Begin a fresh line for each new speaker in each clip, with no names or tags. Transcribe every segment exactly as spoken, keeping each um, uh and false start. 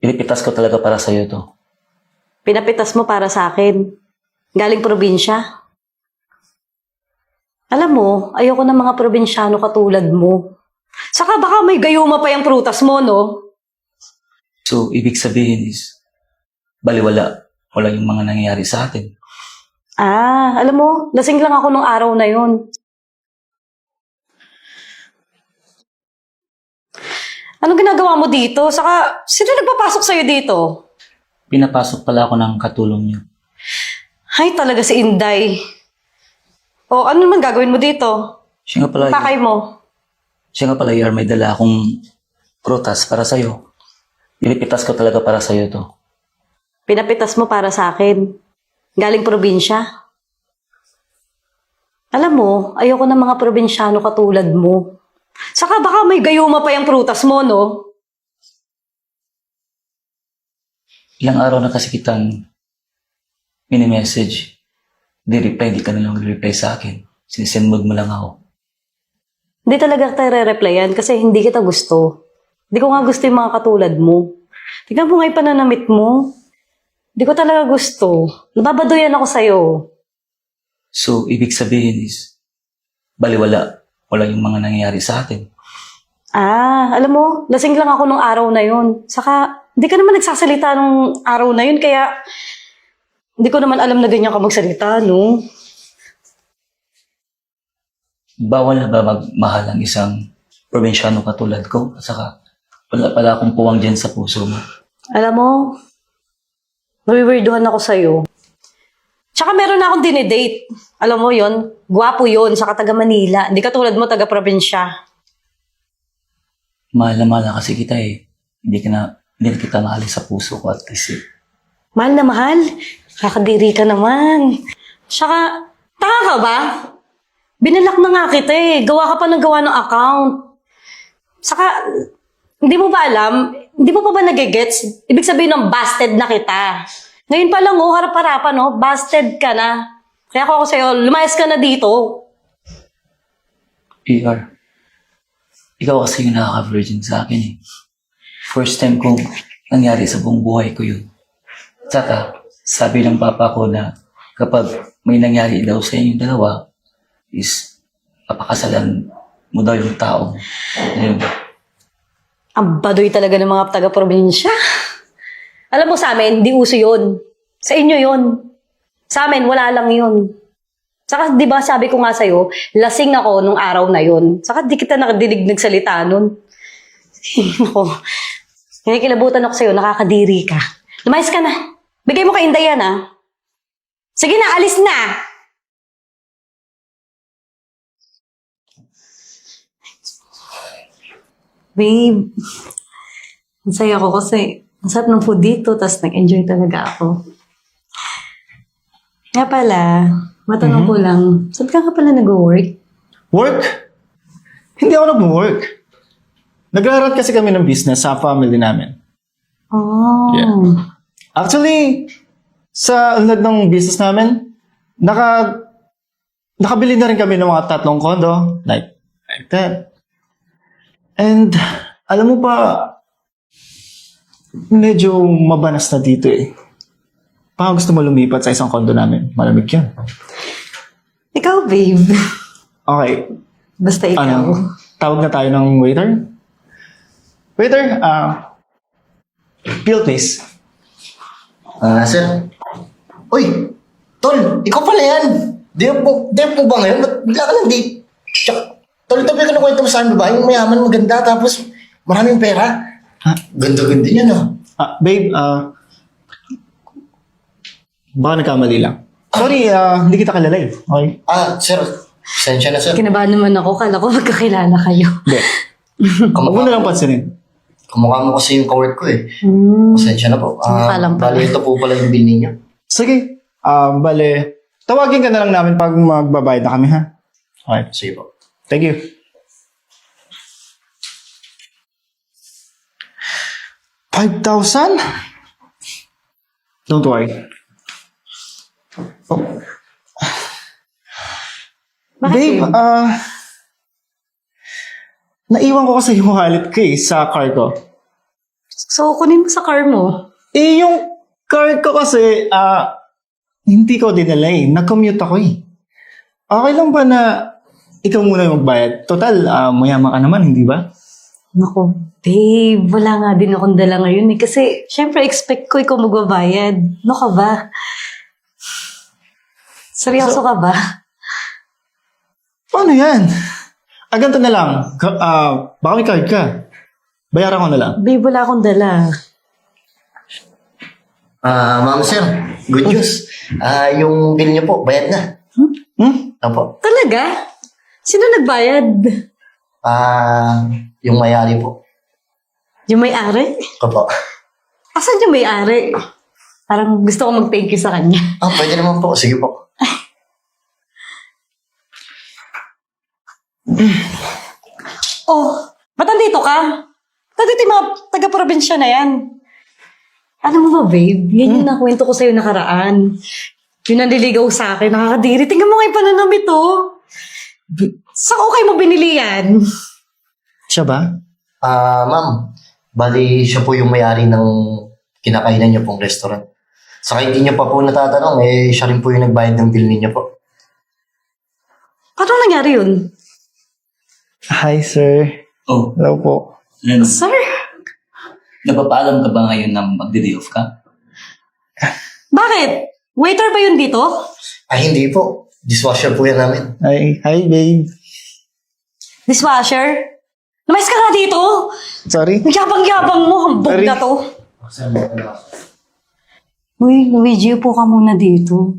Pinipitas ko talaga para sa'yo to.
Pinapitas mo para sa akin. Galing probinsya. Alam mo, ayoko ng mga probinsyano katulad mo. Saka baka may gayuma pa yung prutas mo, no?
So, ibig sabihin is, baliwala. Wala yung mga nangyayari sa atin.
Ah, alam mo, lasing lang ako nung araw na yun. Anong ginagawa mo dito? Saka, sino nagpapasok sa'yo dito?
Pinapasok pala ako ng katulong niyo.
Ay, talaga si Inday. O, ano naman gagawin mo dito?
Siya nga pala,
Pakay mo.
siya nga pala, Yar, may dala akong prutas para sa'yo. Pinipitas ko talaga para sa'yo to.
Pinapitas mo para sa akin. Galing probinsya. Alam mo, ayoko ng mga probinsyano katulad mo. Saka baka may gayuma pa yung prutas mo, no?
Ilang araw na kasi kitang mini-message. Di reply, di ka na lang reply sa akin. Sinisend mood mo lang ako.
Hindi talaga tayo re-replyan kasi hindi kita gusto. Hindi ko nga gusto yung mga katulad mo. Tignan mo nga yung pananamit mo. Hindi ko talaga gusto. Nababadoyan ako sa'yo.
So, ibig sabihin is, baliwala. Wala yung mga nangyayari sa atin.
Ah, alam mo, lasing lang ako nung araw na yun. Saka, hindi ka naman nagsasalita nung araw na yun, kaya hindi ko naman alam na ganyan ka magsalita, no?
Bawal na ba magmahal ang isang probinsyano katulad ko? At saka, wala pala akong puwang dyan sa puso mo.
Alam mo, nawiwirduhan ako sa'yo. Tsaka meron na akong dinidate. Alam mo yon, gwapo yon, saka taga Manila. Hindi katulad mo, taga probinsya.
Mahal na mahal na kasi kita eh. Hindi ka na, hindi na kita mahal sa puso ko at least eh.
Mahal na mahal. Kakadiri ka naman. Tsaka, tanga ka ba? Binalak na nga kita eh. Gawa ka pa ng gawa ng account. Saka, hindi mo ba alam? Hindi mo pa ba nagigets? Ibig sabihin ng busted na kita. Ngayon pa lang, oh, harap-harapan, oh, busted ka na. Kaya ako ako sa'yo, lumayas ka na dito.
E R, ikaw kasi yung nakaka-virgin sa akin eh. First time kong nangyari sa buong buhay ko yun. Tsaka, sabi ng papa ko na kapag may nangyari daw sa inyong dalawa, is papakasalan mo daw yung tao. Ayun.
Ang baduy talaga ng mga taga-probinsya. Alam mo sa amin, di uso yun. Sa inyo yun. Sa amin, wala lang yun. Saka, di ba sabi ko nga sa'yo, lasing ako nung araw na yun. Saka, di kita nakadinig nagsalita nun. Ako, kinikilabutan ako sa'yo, nakakadiri ka. Lumayas ka na. Bigay mo kay Inday yan, ha? Sige na, alis na! Babe, ang saya ko kasi ang sarap ng food dito, tapos nag-enjoy talaga ako. Nga pala, matanong ko lang, saan ka ka pala nag-work?
Work? Hindi ako nag-work. Nagrarat kasi kami ng business sa family namin.
Oh.
Yeah. Actually, sa unlad ng business namin, naka, nakabili na rin kami ng mga tatlong condo. Like, like that. And, alam mo pa, medyo mabanas na dito eh. Baka gusto mo lumipat sa isang condo namin. Malamig yan.
Ikaw, babe.
Okay.
Basta ikaw.
Ano, tawag na tayo ng waiter? Waiter, ah, bill please.
Ah, sir. Uy, tol, ikaw pala yan. Di po, di po ba ngayon? Ba't bigla ka lang di? Tsaka, tol, ito ba yung kwento mo sa amin ba? Yung mayaman, maganda, tapos maraming pera.
Ha?
Ganda-ganda niya, no?
Ah, babe, ah, baka nagkamali lang. Sorry, ah, hindi kita kilala eh. Okay?
Ah, sir, sensya na, sir.
Kinabahan naman ako, kala ko magkakilala kayo.
Hindi. Huwag mo na lang pansinin.
Kamukha mo kasi yung kawork ko eh.
Hmm.
Pasensya na po.
Kamukha
Ah,
lang pala.
bali, ito po pala yung bill niya.
Sige. Ah, bale, tawagin ka na lang namin pag magbabayad na kami, ha? Okay.
Sige po.
Thank you. five thousand? Don't worry. Oh.
Bakit
Babe,
yun?
ah... naiwan ko kasi yung wallet ko eh, sa car ko.
So, kunin mo sa car mo.
Eh, yung car ko kasi, ah, hindi ko dinala eh. Nag-commute ako eh. Okay lang ba na ikaw muna yung magbayad? Total, ah, mayaman ka naman, hindi ba?
Naku, babe, wala nga din akong dala ngayon eh. Kasi, syempre, expect ko ikaw magbabayad. Ano ka ba? Seryoso ka ba?
Paano yan? Ah, ganito na lang. Ka- ah, baka may card ka. Bayaran ko na lang.
Babe, wala akong dala.
Ah, ma'am sir, good news. Ah, yung bill niyo po, bayad na.
Hmm?
Opo.
Talaga? Sino nagbayad?
Ah, yung mayari po.
Yung may-ari?
Opo.
Asan yung may-ari? Parang gusto ko mag-thank you sa kanya.
Ah, pwede naman po. Sige po.
Oh, ba't nandito ka? Nandito yung mga taga-probinsya na yan. Ano mo ba, babe? Yan yung nakwento ko sa'yo nakaraan. Yung nanliligaw sa akin, nakakadiri. Tingnan mo nga yung pananamit, oh. Saan ko kayo mo binili yan?
Siya ba?
Ah, ma'am. Bali, siya po yung may-ari ng kinakainan niyo pong restaurant. Saka hindi niyo pa po natatanong, eh, siya rin po yung nagbayad ng bill niyo po.
Paano nangyari yun?
Hi, sir.
Oh,
Hello po.
ano,
Sir?
napapaalam ka ba ngayon na magde-day off ka?
Bakit? Waiter ba yun dito?
Ay, hindi po. Dishwasher po yan namin.
Hi, hi, babe.
Dishwasher? Lumayas ka nga dito!
Sorry.
Ang yabang-yabang mo, hambog
Sorry.
na to. Uy, Luigi, upo ka muna dito.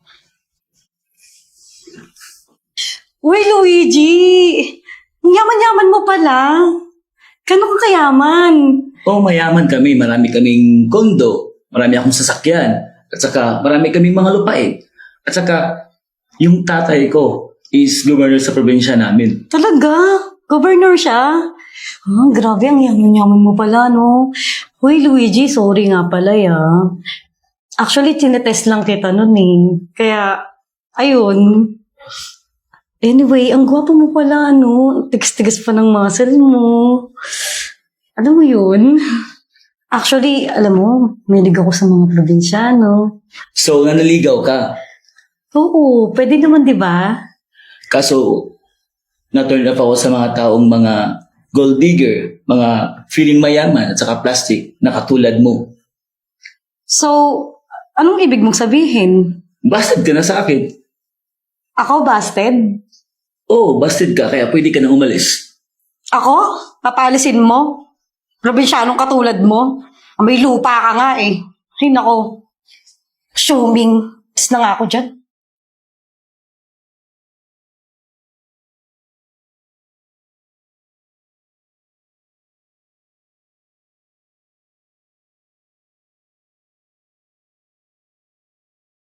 Uy, Luigi! Ang yaman-yaman mo pala. Gano'n ka kayaman?
Oo, mayaman kami. Marami kaming kondo. Marami akong sasakyan. At saka, marami kaming mga lupain. At saka, yung tatay ko is governor sa probinsya namin.
Talaga? Governor siya? Ah, grabe, ang yaman-yaman mo pala, no? Uy, Luigi, sorry nga pala, ya. Actually, tinetest lang kita nun, eh. Kaya, ayun. Anyway, ang gwapo mo pala, ano? Tigas-tigas pa ng muscle mo. Alam mo yun? Actually, alam mo, mahilig ako sa mga probinsyano.
So, nanaligaw ka.
Oo, pwede naman, di ba?
Kaso, na-turn off ako sa mga taong mga gold digger, mga feeling mayaman at saka plastic na katulad mo.
So, anong ibig mong sabihin?
Busted ka na sa akin.
Ako, busted?
Oo, busted ka, kaya pwede ka na umalis.
Ako? Papalisin mo? Probinsyanong katulad mo? May lupa ka nga eh. Ay nako. Assuming. Is na nga ako dyan.